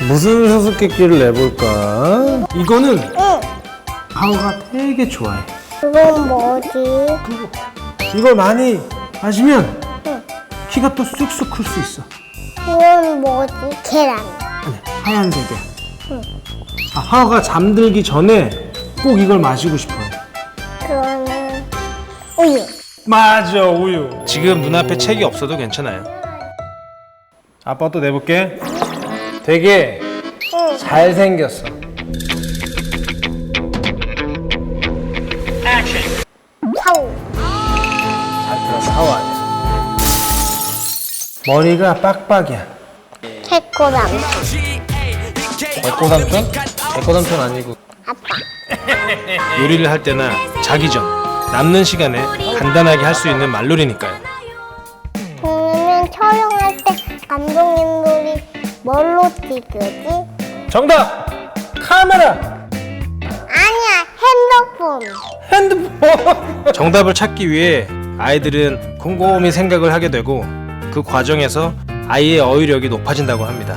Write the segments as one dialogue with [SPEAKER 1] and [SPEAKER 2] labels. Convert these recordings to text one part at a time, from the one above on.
[SPEAKER 1] 무슨 수수께끼를 내볼까? 이거는
[SPEAKER 2] 응.
[SPEAKER 1] 하우가 되게 좋아해.
[SPEAKER 2] 그건 뭐지?
[SPEAKER 1] 이걸 많이 마시면
[SPEAKER 2] 응.
[SPEAKER 1] 키가 또 쑥쑥 클 수 있어.
[SPEAKER 2] 그건 뭐지? 계란.
[SPEAKER 1] 아니, 하얀색이야.
[SPEAKER 2] 응.
[SPEAKER 1] 하우가 잠들기 전에 꼭 이걸 마시고 싶어요.
[SPEAKER 2] 그거는 우유.
[SPEAKER 1] 맞아, 우유. 지금 눈앞에 책이 없어도 괜찮아요. 아빠 또 내볼게. 되게
[SPEAKER 2] 응.
[SPEAKER 1] 잘생겼어.
[SPEAKER 2] 사우.
[SPEAKER 1] 잘 들어서 하우 아니야. 머리가 빡빡이야.
[SPEAKER 2] 새꼬람.
[SPEAKER 1] 백고삼촌? 백고삼촌 아니고.
[SPEAKER 2] 아빠.
[SPEAKER 3] 요리를 할 때나 자기 전 남는 시간에 간단하게 할 수 있는 말놀이니까요.
[SPEAKER 2] 그러면 촬영할 때 감독님들이 뭘로 찍으지?
[SPEAKER 1] 정답! 카메라!
[SPEAKER 2] 아니야, 핸드폰.
[SPEAKER 1] 핸드폰!
[SPEAKER 3] 정답을 찾기 위해 아이들은 곰곰이 생각을 하게 되고 그 과정에서 아이의 어휘력이 높아진다고 합니다.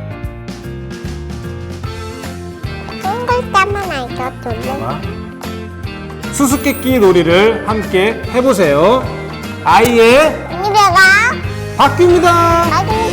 [SPEAKER 2] 한 글자만 알려줄래?
[SPEAKER 1] 수수께끼 놀이를 함께 해보세요. 아이의
[SPEAKER 2] 언니 배가
[SPEAKER 1] 바뀝니다.
[SPEAKER 2] 나중에